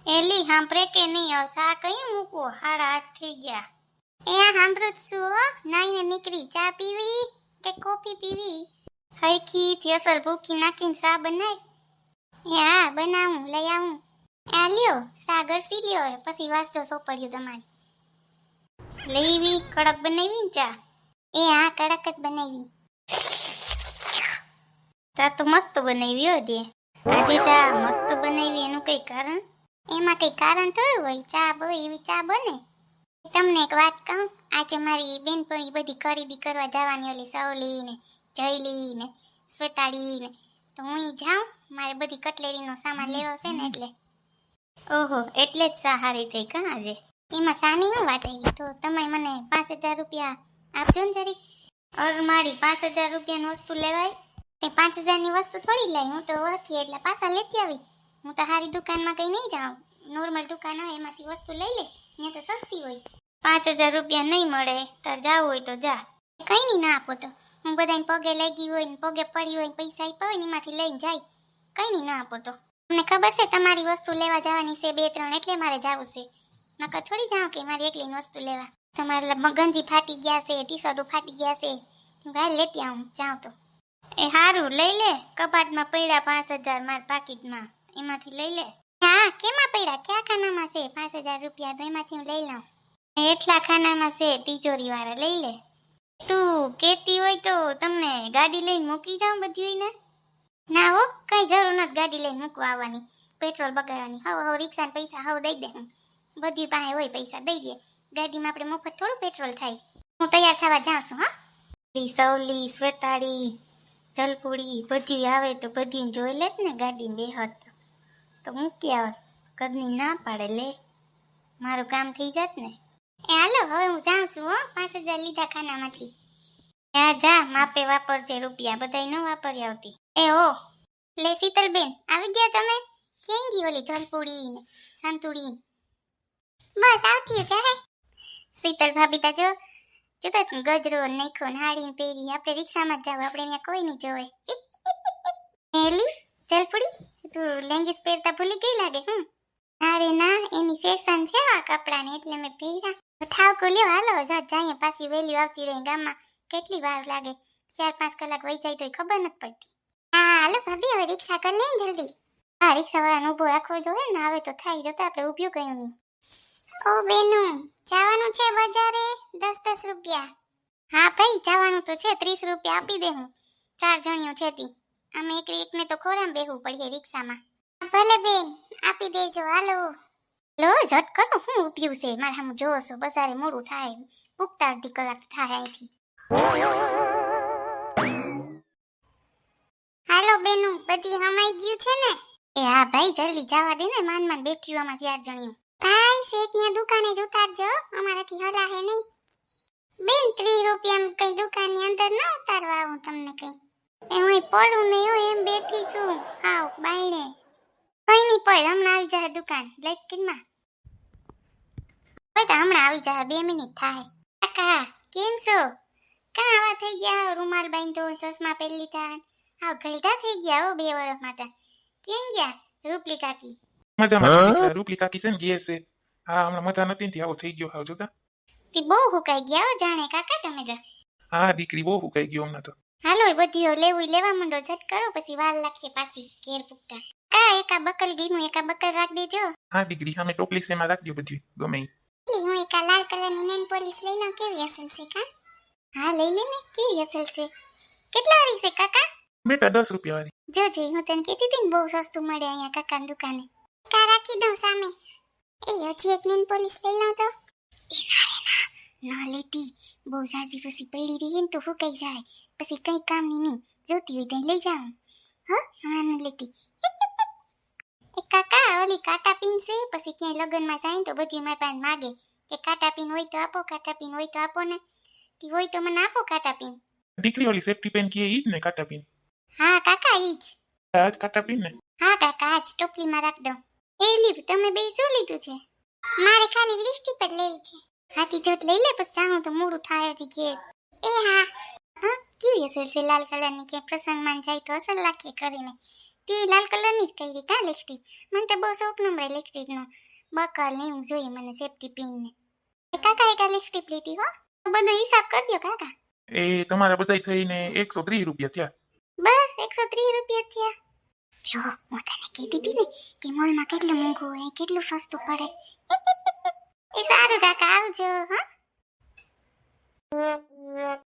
એલી સાંભળે કે નહીં? હવે સા કઈ મૂકવો? 8:30 થઈ ગયા. એ આ સાંભળું જ છું હો. નાઈને નીકળી. ચા પીવી કે કોફી પીવી? હૈખી થી અસલ ભૂકી નાખીને સા બનાય. એ હા બનાવું, લઈ આવું. આ લ્યો સા ગરસી લ્યો, પછી વાંચજો સોપડ્યું તમારી. લેવી કડક બનાવી ને ચા? એ હા કડક જ બનાવી. ચા તો મસ્ત બનાવી હો દે. આજે ચા મસ્ત બનાવી એનું કઈ કારણ? એમાં કઈ કારણ થોડું હોય, ચા બહુ એવી ચા બને. તમને એક વાત કહું, આજે મારી બેનપણી બધી ખરીદી કરવા જવાની, ઓલી સવલી ને જયલી ને સ્વેતાળી ને, તો હું જાઉં, મારે બધી કટલેરીનો સામાન લેવો છે ને એટલે. ઓહો, એટલે જ સા હારી થઈ કા આજે? એમાં સાની હું વાત આવી? તો તમે મને 5,000 રૂપિયા આપજો ને જરી. અર મારી 5,000 રૂપિયાની વસ્તુ લેવાય? તે 5,000ની વસ્તુ થોડી લઈ, હું તો હતી એટલે પાછા લેતી આવી. હું તો હારી દુકાનમાં કઈ નહીં જાઉં, નોર્મલ દુકાન હોય એમાંથી વસ્તુ લઈ લે, ત્યાં તો સસ્તી હોય. 5,000 રૂપિયા નહીં મળે, તાર જાવું હોય તો જા. કઈ નહીં ના આપો તો હું બધાને પગે લાગી હોય ને પગે પડી હોય પૈસા આપ્યા હોય ને એમાંથી લઈને જાય. કઈ નહીં ના આપો તો. તમને ખબર છે તમારી વસ્તુ લેવા જવાની છે 2-3, એટલે મારે જવું છે. નકર થોડી જાઉં કે મારી એકલીની વસ્તુ લેવા. તમારે ગંજી ફાટી ગયા છે, ટી શર્ટો ફાટી ગયા છે, ભાઈ લેતી આવું જાઉં તો. એ હારું લઈ લે, કબાટમાં પડ્યા 5,000 માર પાકીટમાં, એમાંથી લઈ લે. હા કેમાં પડ્યા? ક્યાં ખાનામાં છે 5,000 રૂપિયા? તો એમાંથી હું લઈ લઉં. એટલા ખાનામાં છે તિજોરી વાળા, લઈ લે. તું કેતી હોય તો તમને ગાડી લઈને મૂકી જાઉં બધી ને? ના હો, કઈ જરૂર નથી ગાડી લઈને મૂકવા આવવાની, પેટ્રોલ બગાડવાની. હવે રિક્ષાના પૈસા હવે દઈ દે, હું બધી પાસે હોય પૈસા દઈ દે. ગાડીમાં આપણે મફત થોડું પેટ્રોલ થાય. હું તૈયાર થવા જાઉં છું. હા સવલી સ્વેતાળી જલપુડી બધી આવે તો બધી જોઈ લે ને ગાડીમાં બેહત તો મૂકી આવત. કદની ના પાડે લે, મારું કામ થઈ જાત ને. એ હાલો હવે હું જાઉં છું હો, 5,000 લીધા ખાનામાંથી. જા જા, માપે વાપરજે રૂપિયા, બધાય ન વાપરી આવતી. એ હો લે શીતલબેન, આવી ગયા તમે? ક્યાં ગઈ ઓલી જલપુડી ને સંતુડી? બસ આવતી છે. શીતલ ભાભી તા જો ગજરો નાખો ને હાડીને પહેરી, આપણે રિક્ષામાં જ જાવ, આપણે ત્યાં કોઈ નહીં જોવે. એલી જલપુડી, તું લેંગીસ પહેરતા ભૂલી ગઈ લાગે. અરે ના, એની ફેશન છે આ કપડાની એટલે મેં પહેર્યા. ઠાવકો લ્યો, હાલો જટ જઈએ, પાછી વેલ્યુ આવતી રહી. ગામમાં કેટલી વાર લાગે, 4-5 કલાક વહી જાય તોય ખબર નથી પડતી. હા હાલો ભાભી, હવે રિક્ષા કરી લઈને જલ્દી. હા રિક્ષા વાળાને ઊભો રાખવો જોઈએ ને, આવે તો થાય, જતા આપણે ઊભ્યું ગયું નહીં. ઓ બેનું, જવાનું છે બજારે? 10-10 રૂપિયા. હા ભાઈ જવાનું તો છે, 30 રૂપિયા આપી દે. હું 4 જણીઓ છે તી, અમે એકને તો ખોરામ બેહવું પડે રિક્ષામાં. ભલે બેન આપી દેજો, હાલો. લો ઝટ કરો, હું ઊભ્યું છે મારે સામે જોવો છો? બજારે મોડું થાય, પૂગતા અડધી કલાક થાય અહીંથી. હાલો બેનું, બધી હમાઈ ગયું છે ને? એ હા ભાઈ જલ્દી જવા દે ને, માન બેઠી આમાં 4 જણીઓ. ભાઈ શેઠની દુકાને જ ઉતારજો, અમારાથી હલાહે નહીં. બેન 30 રૂપિયામાં કઈ દુકાનની અંદર ના ઉતારવા આવું તમને કઈ. એ હું પડું નહીં હોય એમ બેઠી છું. આવ બાયણે કઈ નહીં પડ, હમણાં આવી જાય દુકાન લાઈટ કિનમાં. તો હમણાં આવી જાય, 2 મિનિટ થાય. કાકા કેમ છો? કાં આવા થઈ ગયા, રૂમાલ બાંધ્યો, ચશ્મા પહેરી લીધા, આવ ગલઢા થઈ ગયા હો 2 વર્ષ માટે. કેમ ગયા રૂપલી કાકી? મજામાં રૂપલી કાકી છે ને ઘેર છે. હા હમણાં મજા નથી ને આવો થઈ ગયો. હાવ જોતા તી બહુ હુકાઈ ગયા હો જાણે કાકા તમે જા. હા દીકરી બહુ હુકાઈ ગયો હમણાં તો. હાલો બધી લેવા માંડો, ઝટ કરો પછી વાર લાગશે પાછી ઘેર પૂગતા. કા એકા બકલ ગીનું એકા બકલ રાખ દેજો. હા દીકરી સામે ટોપલી છે એમાં રાખજો બધી ગમે ઈ. હું એકા લાલ કલરની નેન પોલીસ લઈ લઉં, કેવી અસલ છે કા? હા લઈ લે ને, કેવી અસલ છે. કેટલા વાળી છે કાકા? બેટા 10 રૂપિયા વાળી. જોજે હું તને કીધી હતી ને બહુ સસ્તું મળે અહીંયા કાકાની દુકાને. કા રાખી દઉં સામે. એ હજી એક નેન પોલીસ લઈ લઉં તો? ના લેતી, બહુ જાજી પછી પડી રહી ને તો ફૂકાઈ જાય, પછી કઈ કામની નહીં. જોતી હોય ત્યાં લઈ જાઉં. હા હમણાં ન લેતી. એ કાકા ઓલી કાટા પીન છે, પછી ક્યાંય લગ્નમાં જાય ને તો બધી મારી પાસે માગે કે કાટા પીન હોય તો આપો, કાટા પીન હોય તો આપો ને. તી હોય તો મને આપો કાટા પીન. દીકરી ઓલી સેફ્ટી પેન કે ઈ જ ને કાટા પીન? હા કાકા ઈ જ. આજ કાટા પીન ને? હા કાકા આજ ટોપલીમાં રાખ દઉં. એ લીવ તમે બે શું લીધું છે? મારે ખાલી લિપસ્ટિક જ લેવી છે. હાથી જોટ લઈ લે, પછી જાઉં તો મોડું થાય હજી ઘેર. એ હા હા કેવી અસર છે લાલ કલરની, કે પ્રસંગમાં જાય તો અસર લાગે કરીને. તે લાલ કલરની જ કરી કા લિપસ્ટિક. મને તો બહુ શોખ નંબર લિપસ્ટિકનો. બકલ ને એવું જોઈએ મને સેફટી પિન ને. કાકા એક લિપસ્ટિક લીધી હો. બધો હિસાબ કરજો કાકા. એ તમારા બધાય થઈને 130 રૂપિયા થયા. બસ 130 રૂપિયા થયા. જો હું તને કીધી હતી ને કે મોલમાં કેટલું મોંઘું હોય કેટલું સસ્તું પડે. એ સારું કાકા આવજો હા.